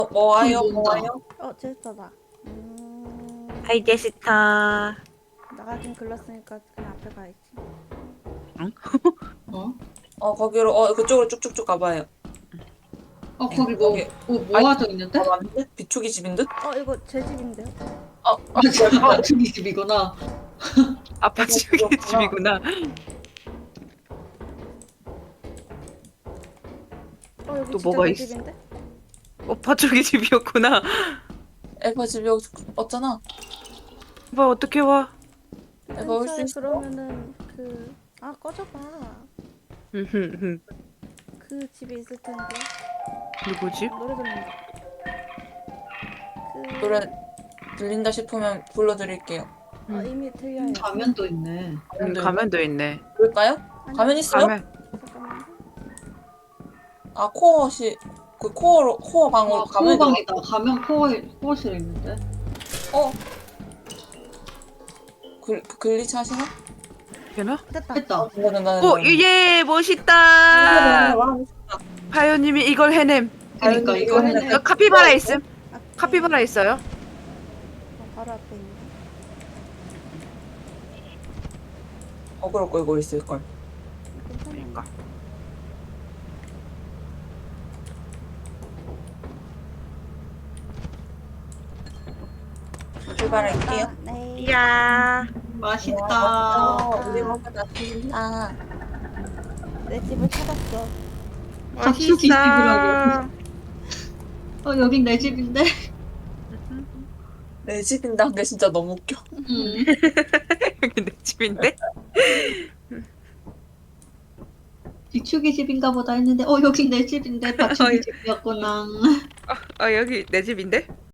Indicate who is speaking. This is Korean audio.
Speaker 1: 뭐
Speaker 2: 불
Speaker 1: 와요? 뭐
Speaker 2: 본다.
Speaker 1: 와요?
Speaker 3: 제스터다.
Speaker 4: 하이 제시타.
Speaker 3: 나가긴 글렀으니까 그냥 앞에 가야지.
Speaker 2: 어?
Speaker 1: 거기로 그쪽으로 쭉쭉쭉 가봐요.
Speaker 2: 거기
Speaker 1: 거기.
Speaker 2: 뭐 모아져 있는데?
Speaker 1: 맞는데? 비초기 집인 듯?
Speaker 3: 이거 제 집인데요?
Speaker 2: 맞아. 저기 집이구나.
Speaker 4: 아빠 지우개 집이구나.
Speaker 3: 여기
Speaker 4: 또
Speaker 3: 진짜
Speaker 4: 뭐가
Speaker 3: 내
Speaker 4: 있어?
Speaker 3: 집인데?
Speaker 4: 오빠 쪽이 집이었구나.
Speaker 1: 에바 집이 여기 없잖아.
Speaker 4: 오빠 어떻게 와?
Speaker 1: 에바 올 수
Speaker 3: 근처에
Speaker 1: 있어?
Speaker 3: 그러면은 꺼져봐.
Speaker 4: 누구지?
Speaker 3: 그 집에 있을 텐데. 노래 들린다.
Speaker 1: 노래 들린다 싶으면 불러드릴게요.
Speaker 3: 이미 들려요.
Speaker 2: 가면도 있네.
Speaker 4: 가면도 있네.
Speaker 1: 그럴까요?
Speaker 3: 아니,
Speaker 1: 가면 있어요?
Speaker 3: 잠깐만.
Speaker 1: 코어시 코어 방으로 가면
Speaker 2: 코어방이다. 가면 코어실에 있는데.
Speaker 1: 글리치 하시나?
Speaker 4: 되나?
Speaker 3: 됐다.
Speaker 2: 했다.
Speaker 1: 된다.
Speaker 4: 예, 멋있다. 바요님이 이걸 해냄.
Speaker 2: 그러니까 이거
Speaker 1: 해내.
Speaker 4: 카피바라 있음.
Speaker 3: 앞에.
Speaker 4: 카피바라 있어요.
Speaker 3: 바로 앞에 있네.
Speaker 1: 그럴 거 이거 있을 걸.
Speaker 4: 그러니까.
Speaker 1: 출발할게요.
Speaker 3: 네.
Speaker 4: 이야.
Speaker 2: 맛있다.
Speaker 1: 우리 먹다 드린다.
Speaker 3: 내 집을 찾았어.
Speaker 2: 갑자기 집이라고. 여긴 내 집인데.
Speaker 1: 내 집인다는 게 진짜 너무 웃겨.
Speaker 4: 여기 내 집인데?
Speaker 2: 비추기 집인가 보다 했는데 여긴 내 집인데. 받추기 집이었구나.
Speaker 4: 여기 내 집인데?